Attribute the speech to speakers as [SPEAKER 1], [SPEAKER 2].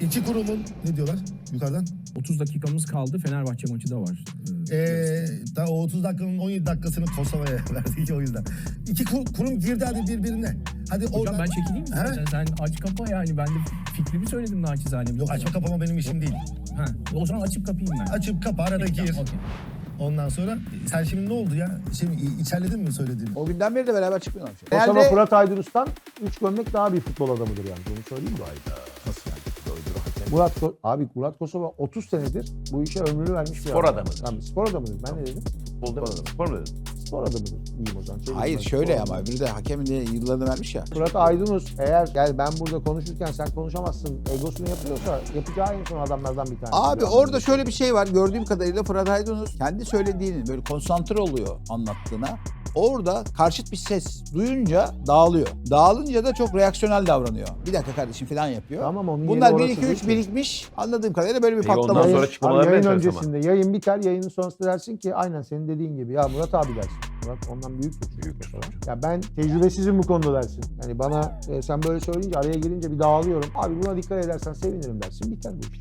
[SPEAKER 1] İki kurumun ne diyorlar yukarıdan?
[SPEAKER 2] 30 dakikamız kaldı. Fenerbahçe maçı da var.
[SPEAKER 1] Daha o 30 dakikanın 17 dakikasını Kosova'ya verdik o yüzden. İki kurum girdi hadi birbirine. Hadi
[SPEAKER 2] Hocam
[SPEAKER 1] oradan...
[SPEAKER 2] ben çekileyim mi? Sen aç kapa yani. Ben de fikrimi söyledim naçizane.
[SPEAKER 1] Yok açma kapama benim işim değil.
[SPEAKER 2] Ha, o zaman açıp kapayım ben.
[SPEAKER 1] Açıp kapa arada gir.
[SPEAKER 2] Okay.
[SPEAKER 1] Ondan sonra sen şimdi ne oldu ya? Şimdi içerledin mi söylediğini?
[SPEAKER 3] O günden beri de beraber çıkmıyorlar.
[SPEAKER 4] Kosova Fırat Aydınus'tan 3 gömlek daha bir futbol adamıdır yani. Bunu söyleyeyim mi?
[SPEAKER 3] Nasıl yani?
[SPEAKER 4] Murat Kosova 30 senedir bu işe ömrünü vermiş bir
[SPEAKER 5] Spor
[SPEAKER 4] adam.
[SPEAKER 5] adamıdır.
[SPEAKER 4] Tamam, spor adamıdır. Ben ne dedim?
[SPEAKER 5] Futbolda mı? Spor mu dedin?
[SPEAKER 4] Spor adamıdır. İyiyim o zaman.
[SPEAKER 3] Hayır şöyle ama öbürü de hakemin de yıllarını vermiş ya.
[SPEAKER 4] Fırat Aydınus eğer gel ben burada konuşurken sen konuşamazsın egosunu yapıyorsa yapacağı en son adamlardan bir tanesi.
[SPEAKER 3] Abi orada şöyle bir şey var. Gördüğüm kadarıyla Fırat Aydınus kendi söylediğini böyle konsantre oluyor anlattığına. Orada karşıt bir ses duyunca dağılıyor. Dağılınca da çok reaksiyonel davranıyor. Bir dakika kardeşim falan yapıyor.
[SPEAKER 4] Tamam, onun
[SPEAKER 3] Bunlar
[SPEAKER 4] yeri
[SPEAKER 3] 1
[SPEAKER 4] orası
[SPEAKER 3] 2
[SPEAKER 4] değil
[SPEAKER 3] 3
[SPEAKER 4] ki.
[SPEAKER 3] birikmiş. Anladığım kadarıyla böyle bir
[SPEAKER 5] Peki
[SPEAKER 3] patlama.
[SPEAKER 5] ondan sonra çıkmaları
[SPEAKER 4] yayın
[SPEAKER 5] enteresan ama.
[SPEAKER 4] öncesinde yayın biter, yayının sonrasında dersin ki aynen senin dediğin gibi ya Murat abi dersin. Murat ondan büyüktür.
[SPEAKER 5] Büyüktür sonuç.
[SPEAKER 4] Ya ben tecrübesizim bu konuda dersin. Yani bana sen böyle söyleyince araya girince bir dağılıyorum. Abi buna dikkat edersen sevinirim dersin. Biter bu iş.